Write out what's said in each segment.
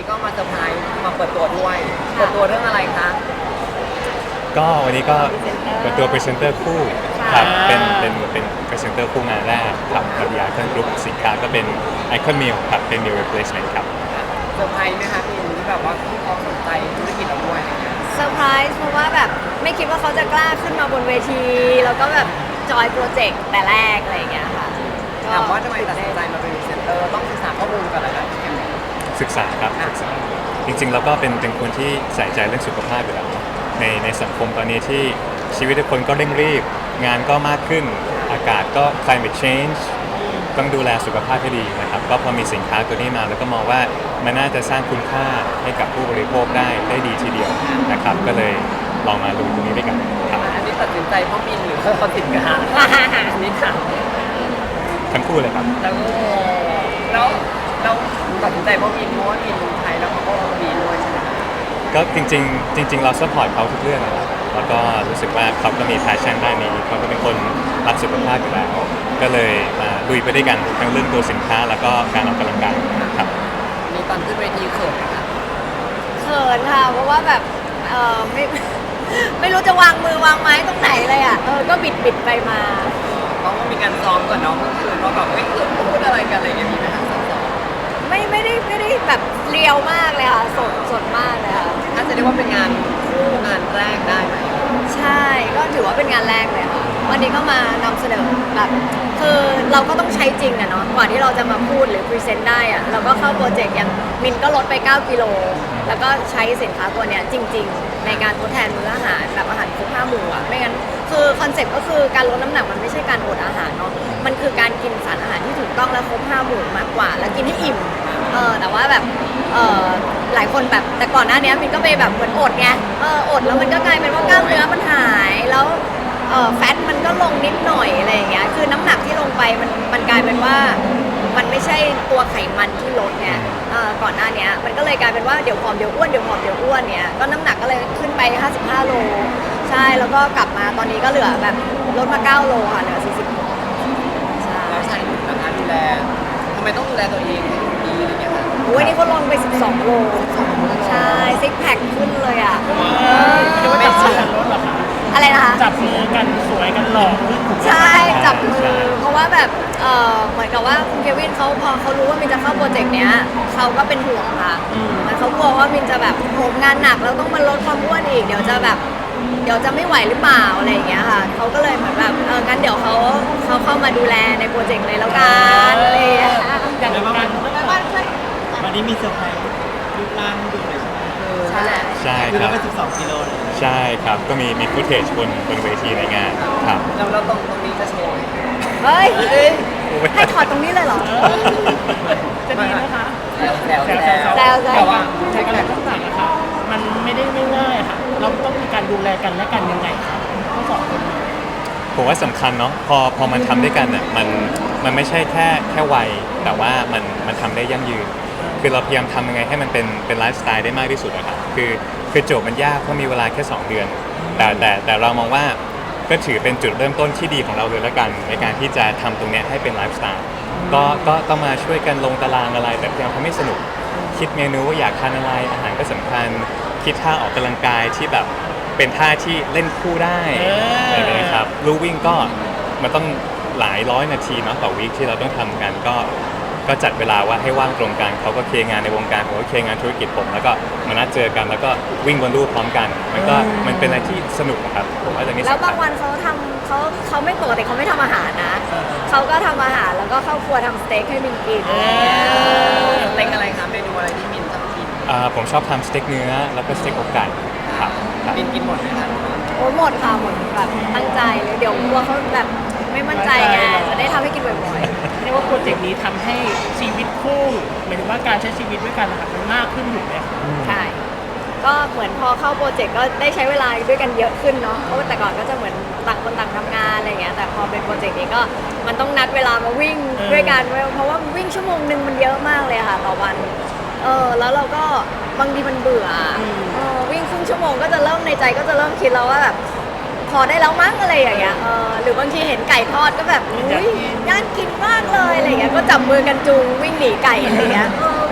นี้ก็มาเซอร์ไพรส์มาเปิดตัวด้วยเปิดตัวเรื่องอะไรคะก็วันนี้ก็เปิดตัวพรีเซนเตอร์คู่ครับเป็นพรีเซนเตอร์คู่งานแรกครับกับยาเครื่องกรุ๊ปสินค้าก็เป็นไอคอนมิลครับเป็น meal replacement ครับเซอร์ไพรส์ไหมคะพี่ที่แบบว่าพี่เขาสนใจธุรกิจเราด้วยอะไรเงี้ยเซอร์ไพรส์เพราะว่าแบบไม่คิดว่าเขาจะกล้าขึ้นมาบนเวที แล้วก็แบบจอยโปรเจกต์แต่แรกอะไรอย่างเงี้ยค่ะถามว่าทำไมตัดสินใจมาเป็นพรีเซนเตอร์ต้องศึกษาข้อมูลก่อนเลยนะศึกษาครับศึกษาจริงๆแล้วก็เป็นคนที่ใส่ใจเรื่องสุขภาพอยู่แล้วในสังคมตอนนี้ที่ชีวิตทุกคนก็เร่งรีบงานก็มากขึ้นอากาศก็ climate change ต้องดูแลสุขภาพให้ดีนะครับก็พอมีสินค้าตัวนี้มาแล้วก็มองว่ามันน่าจะสร้างคุณค่าให้กับผู้บริโภคได้ดีทีเดียวนะครับก็เลยลองมาดูตรงนี้ด้วยกันครับอันนี้ตัดสินใจเพราะมินหรือเพราะสินค้าอันนี้ค่ะทั้งคู่เลยครับแล้วตัดสินใจเพราะมินเพราะว่ามินไทยแล้วเขาก็ดีด้วยใช่ไหมคะก็จริงเราซัพพอร์ตเขาทุกเรื่องนะครับแล้วก็รู้สึกว่าเขาก็มีแพชชั่นด้านนี้เขาก็เป็นคนรักสุขภาพอยู่แล้วก็เลยมาลุยไปด้วยกันทั้งเรื่องตัวสินค้าแล้วก็การออกกำลังกายครับมีตอนขึ้นเวทีเขินไหมคะเขินค่ะ เพราะว่าแบบไม่ ไม่รู้จะวางมือวางไม้ตรงไหนเลยอ่ะก็บิดไปมาเพราะว่ามีการซ้อมก่อนเนาะเมื่อคืนว่าแบบเฮ้ยพูดอะไรกันอะไรอย่างเงี้ยมีไหมคะซ้อมไม่ได้แบบเรียวมากเลยค่ะสดมากเลยค่ะถ้าจะเรียกว่าเป็นงานคู่งานแรกได้ไหมใช่ก็ถือว่าเป็นงานแรกเลยค่ะวันนี้ก็มานำเสนอแบบคือเราก็ต้องใช้จริงอะเนาะก่อนที่เราจะมาพูดหรือพรีเซนต์ได้อะเราก็เข้าโปรเจกต์อย่างมินก็ลดไป 9 กิโลแล้วก็ใช้สินค้าตัวเนี้ยจริง ๆ ในการทดแทนมื้ออาหารแบบอาหารครบ5 หมู่อะไม่งั้นคือคอนเซ็ปต์ก็คือการลดน้ำหนักมันไม่ใช่การอดอาหารเนาะมันคือการกินสารอาหารที่ถูกต้องและครบ5 หมู่มากกว่า แล้วกินให้อิ่มแต่ว่าแบบหลายคนแบบแต่ก่อนหน้านี้มินก็ไปแบบเหมือนอดไงอดแล้วมันก็กลายเป็นว่ากล้ามเนื้อมันหายแล้วแฟตมันก็ลงนิดหน่อยอะไรอย่างเงี้ยคือน้ำหนักที่ลงไปมันกลายเป็นว่ามันไม่ใช่ตัวไขมันที่ลดเนี่ยก่อนหน้านี้มันก็เลยกลายเป็นว่าเดี๋ยวผอมเดี๋ยวอ้วนเดี๋ยวผอมเดี๋ยวอ้วนเนี่ยก็น้ำหนักก็เลยขึ้นไป55 โลใช่แล้วก็กลับมาตอนนี้ก็เหลือแบบลดมา9 โลค่ะเหลือ40 โลใช่แล้วชายหนุ่มนะคะดูแลทำไมต้องดูแลตัวเองให้ดีอะไรอย่างเงี้ยคะโอ้ยนี่เขาลงไป12 โลใช่ซิกแพคขึ้นเลยอ่ะหรือว่าจับมือกันลดเหรอคะอะไรนะคะจับมือกันสวยกันหล่อขึ้นถูกไหมใช่จับมือเพราะว่าแบบเหมือนกับว่าคุณเควินเขาพอเขารู้ว่ามินจะเข้าโปรเจกต์เนี้ยเขาก็เป็นห่วงค่ะมันเขากลัวว่ามินจะแบบโหมงานหนักแล้วต้องมาลดความอ้วนอีกเดี๋ยวจะไม่ไหวหรือเปล่าอะไรอย่างเงี้ยค่ะเขาก็เลยเหมือนแบบงั้นเดี๋ยวเขาเข้ามาดูแลในโปรเจกต์เลยแล้วกันอะไรอย่างเงี้ยอย่างการวันนี้มีเซอร์ไพรส์รูปร่างดูเลยใช่ไหมใช่ใช่คือครัเราบไป12 กิโลเลยใช่ครับก็มีฟุตเทจบนเวทีในงานครับแล้วตรงนี้จะโชว์เฮ้ยให้ถอดตรงนี้เลยเหรอจะดีไหมคะแซวแซวแต่ว่าใช้กระดาษต่างๆนะคะมันไม่ได้ง่ายๆค่ะเราต้องมีการดูแลกันและกันยังไงคะทั้งสองคนผมว่าสำคัญเนาะพอมันทำด้วยกันอ่ะมันไม่ใช่แค่วัยแต่ว่ามันทำได้ยั่งยืน คือเราพยายามทำยังไงให้มันเป็นไลฟ์สไตล์ได้มากที่สุดอะครับคือโจทย์มันยากเพราะมีเวลาแค่ 2 เดือน แต่เรามองว่าก็ถือเป็นจุดเริ่มต้นที่ดีของเราเลยละกันในการที่จะทำตรงเนี้ยให้เป็นไลฟ์สไตล์ก็ต้องมาช่วยกันลงตารางอะไรแต่พยายามทำให้สนุกคิดเมนูว่าอยากทานอะไรอาหารก็สำคัญคิดท่าออกกำลังกายที่แบบเป็นท่าที่เล่นคู่ได้อะไรอย่างเงี้ยครับลู่วิ่งก็มันต้องหลายร้อยนาทีเนาะต่อวีคที่เราต้องทำกันก็จัดเวลาว่าให้ว่างตรงกันเขาก็เคลียร์งานในวงการผมก็เคลียร์งานธุรกิจผมแล้วก็มานัดเจอกันแล้วก็วิ่งบนลู่พร้อมกันมันเป็นอะไรที่สนุกนะครับผมว่าตรงนี้แล้วสำคับางญวันเขาไม่ปกติเขาไม่ทำอาหารนะเขาก็ทำอาหารแล้วก็เข้าครัวทำสเต็กให้มินกินเล็งอะไรคะเมนูอะไรที่มินชอบกินผมชอบทำสเต็กเนื้อแล้วก็สเต็กอกไก่ครับครับมินกินหมดไหมคะโอ้หมดค่ะหมดแบบตั้งใจเลยเดี๋ยวกลัวเขาแบบไม่มั่นใจไงจะได้ทำให้กินบ่อยเรียกว่าโปรเจกต์นี้ทำให้ชีวิตคู่หมายถึงว่าการใช้ชีวิตด้วยกันนะคะมันมากขึ้นอยู่ไหมคะๆใช่ก็เหมือนพอเข้าโปรเจกต์ก็ได้ใช้เวลาด้วยกันเยอะขึ้นเนาะเพราะว่าแต่ก่อนก็จะเหมือนต่างคนต่างทำงานอะไรเงี้ยแต่พอเป็นโปรเจกต์นี้ก็มันต้องนัดเวลามาวิ่งด้วยกันเพราะว่าวิ่งชั่วโมงนึงมันเยอะมากเลยค่ะต่อวันแล้วเราก็บางทีมันเบื่อวิ่งครึ่งชั่วโมงก็จะเริ่มในใจก็จะเริ่มคิดแล้วว่าแบบพอได้แล้วมั้งอะไรอย่างเงี้ยหรือบางทีเห็นไก่ทอดก็แบบอุ้ยน่ากินมากเลยอะไรเงี้ยก็จับมือกันจูงวิ่งหนีไก่อะไรเงี้ยวิ่ง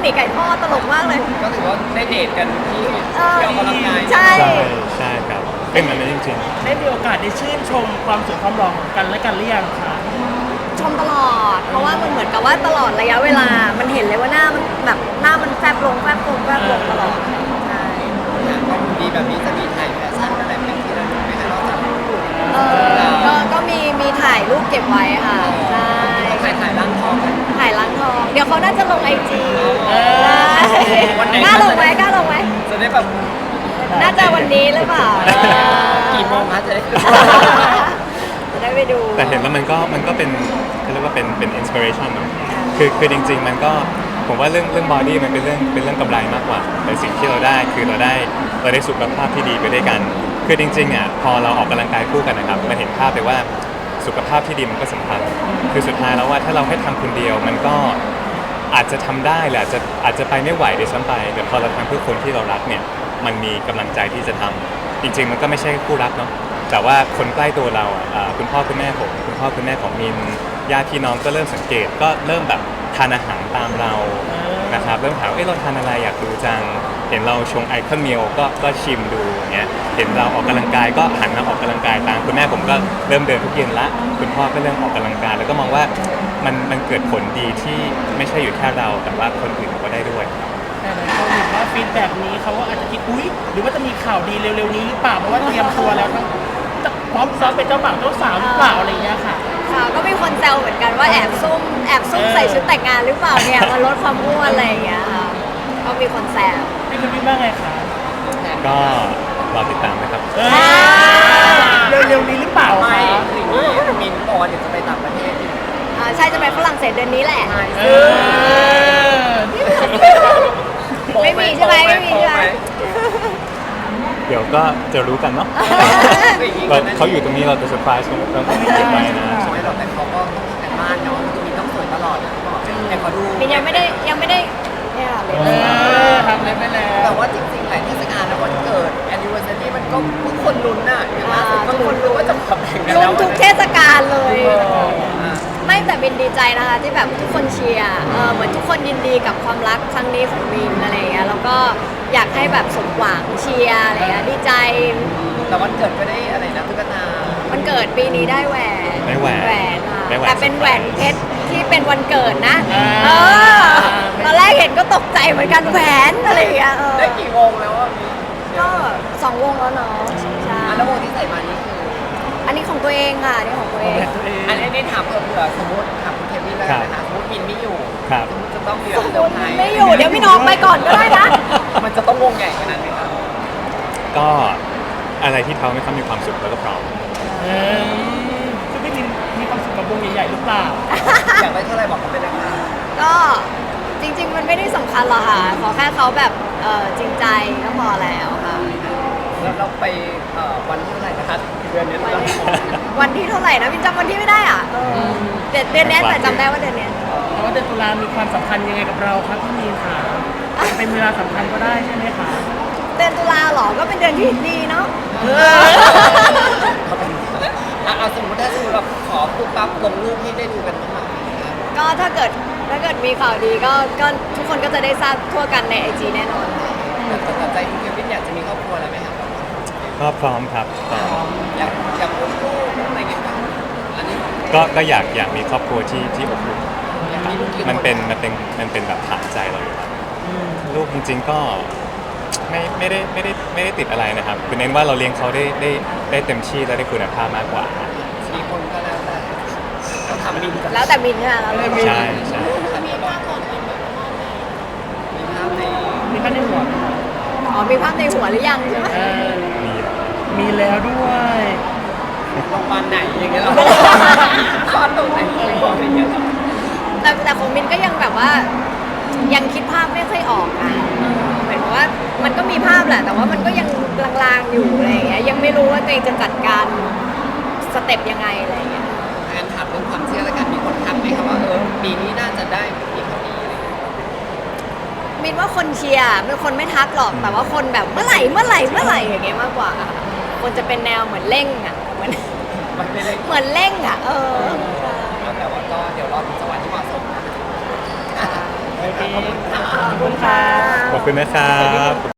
หนีไก่ทอดตลกมากเลยก็ถือว่าได้เดทกันที่เออออกกำลังกายใช่ใช่ครับเป็นแบบนั้นจริงได้มีโอกาสได้ชื่นชมความสวยความหล่อของกันและกันหรือยังคะชมตลอด เพราะว่ามันเหมือนกับว่าตลอดระยะเวลา มันเห็นเลยว่าหน้ามันแบบหน้ามันแฟบลงแฟบลงแฟบลงตลอดใช่ก็ดีแบบนี้จะมีถ่ายแฟชั่นอะไรเป็นที่ระลึกไหมคะนอกจากก็มีถ่ายรูปเก็บไว้ค่ะใช่ถ่ายร่างทองกันถ่ายล้างทอง เดี๋ยวเขาน่าจะลงไอจีวันไหนกล้าลงไหมกล้าลงไหมจะได้แบบน่าจะวันนี้หรือเปล่ากี่โมงคะจะได้จะได้ไปดูๆ แต่เห็นแล้วมันก็เป็นเขาเรียกว่าเป็นอินสปิเรชันเนาะคือจริงๆมันก็ผมว่าเรื่องบอดี้มันเป็นเรื่องกำไรมากกว่าแต่สิ่งที่เราได้คือเราได้สุขภาพที่ดีไปด้วยกัน คือจริงๆอ่ะพอเราออกกำลังกายคู่กันนะครับมันเห็นภาพเลยว่าสุขภาพที่ดีมันก็สำคัญคือสุดท้ายแล้วว่าถ้าเราให้ทำคนเดียวมันก็อาจจะทำได้แหละอาจจะไปไม่ไหวด้วยซ้ำไปแต่พอเราทำเพื่อคนที่เรารักเนี่ยมันมีกำลังใจที่จะทำจริง ๆ มันก็ไม่ใช่คู่รักเนาะแต่ว่าคนใกล้ตัวเราคุณพ่อคุณแม่ผมคุณพ่อคุณแม่ของมินญาติพี่น้องก็เริ่มสังเกตก็เริ่มแบบทานอาหารตามเรานะครับเริ่มถามเราทานอะไรอยากดูจังเห็นเราชงไอคอนเมลก็ชิมดูอย่างเงี้ยเห็นเราออกกำลังกายก็หันมาออกกำลังกายตามคุณแม่ผมก็เริ่มเดินทุกเย็นละคุณพ่อก็เริ่มออกกำลังกายแล้วก็มองว่ามันเกิดผลดีที่ไม่ใช่อยู่แค่เราแต่ว่าคนอื่นก็ได้ด้วยแต่หลายคนเห็นว่าฟีดแบบนี้เขาก็อาจจะคิดอุ๊ยหรือว่าจะมีข่าวดีเร็วๆนี้หรือเปล่าเพราะว่าเตรียมตัวแล้วทั้งพร้อมซ้อมเป็นเจ้าบ่าวเจ้าสาวหรือเปล่าอะไรอย่างเงี้ยค่ะค่ะก็มีคนแซวเหมือนกันว่าแอบซุ่มใส่ชุดแต่งงานหรือเปล่าเนี่ยมาลดความอ้วนอะไรอย่างเงี้ยค่ะก็มีคนแซวพี่คุณพี่ว่าไงคะก็รอติดตามนะครับเร็วๆนี้หรือเปล่าไม่คะคืออย่างนี้มินบอกว่าเดี๋ยวจะไปต่างประเทศใช่จะไปฝรั่งเศสเดือนนี้แหละเออไม่มีใช่ไหมไม่มีใช่ไหมเดี๋ยวก็จะรู้กันเนาะ เขาอยู่ตรงนี้เราจะเซอร์ไพรส์ต้องเก็บไว้นะไม่หรอกแต่เขาก็ต้องทำกันบ้านเนาะคือมินต้องสวยตลอดนะบอกแต่ขอดูมินยังไม่ได้เนี่ยเลยทำเลยไปแล้วแต่ว่าจริงๆหลายเทศกาลแล้ววันเกิด anniversary มันก็ทุกคนลุ้นน่ะอย่างล่าสุดก็ลุ้นว่าจะขับแข่งกันลุ้แล้นวทุกเทศกาลเลยอ่าไม่แต่มินดีใจนะคะที่แบบทุกคนเชียร์เหมือนทุกคนยินดีกับความรักครั้งนี้ของมินอะไรอย่างเงี้ยแล้วก็อยากให้แบบสมหวังเชียร์อะไรอย่างเงี้ยดีใจแต่วันเกิดก็ได้อะไรนะตุ๊กตาวันเกิดปีนี้ได้แหวนได้แหวนค่ะได้แหวนแต่เป็นแหวนเพชรที่เป็นวันเกิดนะอ่าเออตอนแรกเห็นก็ตกใจเหมือนกันแหวนอะไรอย่างเงี้ยได้กี่วงแล้วอ่ะก็2 วงแล้วเนาะใช่แล้ววงที่ใส่มานี่คืออันนี้ของตัวเองค่ะอันนี้ของตัวเองตัวเองอันนี้ถามเผื่อสมมติถามคุณเควินแล้วกันนะคะสมมติมินไม่อยู่ครับสมมติจะต้องมีสมเซมอติร์ไพรส์ไม่อยู่เดี๋ยวพี่น้องไปก่อนก็ได้นะมันจะต้องวงใหญ่ขนาดไหนคะก็อะไรที่เขาไม่ค่อยมีความสุขแล้วก็พร้อมซึ่งพี่มินมีความสุขกับวงใหญ่ๆหรือเปล่าอยากได้เท่าไหร่บอกเขาไปนะคะก็จริง ๆ มันไม่ได้สำคัญหรอกค่ะ ขอแค่เขาแบบจริงใจก็พอแล้วค่ะแล้วเราไปวันที่เท่าไหร่นะคะเดือนนี้วันเราวันที่เท่าไหร่นะพี่จำวันที่ไม่ได้อ่ะเดือนเนี้ยแต่จำได้ว่าเดือนเนี้ยแต่ว่าเดือนตุลามีความสำคัญยังไงกับเราครับพี่มีนค่ะเป็นเวลาสำคัญก็ได้ใช่ไหมคะเดือนตุลาเหรอก็เป็นเดือนที่ดีเนาะเอาสมมติถ้าสมมติเราขอปุ๊บปั๊บลงรูปที่ได้ดูกันบ้างไหมก็ถ้าเกิดมีข่าวดีก็ทุกคนก็จะได้ทราบทั่วกันในไอจีแน่นอนแต่ใจคุณเควินอยากจะมีครอบครัวอะไรไหมครับก็พร้อมครับพร้อมอยากอุ้มลูกอะไรอย่างเงี้ยครับอันนี้ก็อยากมีครอบครัวที่อบอุ่นอยากมีลูกกี่คมันเป็นแบบฐานใจเราอยู่แล้วลูกจริงๆก็ไม่ได้ติดอะไรนะครับคือเน้นว่าเราเลี้ยงเขาได้เต็มที่และได้คุณภาพมากกว่า 4 คนก็แล้วแต่ต้องทำมินกับแล้วแต่มินใช่ไหมแล้วแต่มินใช่ใช่มีภาพก่อนมินแบบมีภาพในมีแค่ในหัวไหมคะอ๋อมีภาพในหัวหรือยังใช่ไหมมีมีแล้วด้วยโรงพยาบาลไหนอย่างเงี้ยหรอคลอดตรงไหนอะไรอย่างเงี้ยหรอแต่ของมินก็ยังแบบว่ายังคิดภาพไม่ค่อยออกอ่ะเหมือนว่ามันก็มีภาพแหละ แต่ว่ามันก็ยังลางๆอยู่อะไรอย่างเงี้ยยังไม่รู้ว่าตัวเองจะจัดการสเต็ปยังไงอะไรอย่างเงี้ยงานถามเรื่องความเชื่อแล้วกันมีคนทักไหมครับว่าปีนี้น่าจะได้มีคนนี้อะไรอย่างเงี้ยมินว่าคนเชียร์เป็นคนไม่ทักหรอกแต่ว่าคนแบบเมื่อไหร่อย่างเงี้ยมากกว่า คนจะเป็นแนวเหมือนเร่งอ่ะเหมือนมันไม่ได้เหมือนเร่งอ่ะแต่ว่าก็เดี๋ยวรอถึงจังหวะที่เหมาะสมนะโอเคขอบคุณค่ะขอบคุณค่ะขอบคุณนะครับ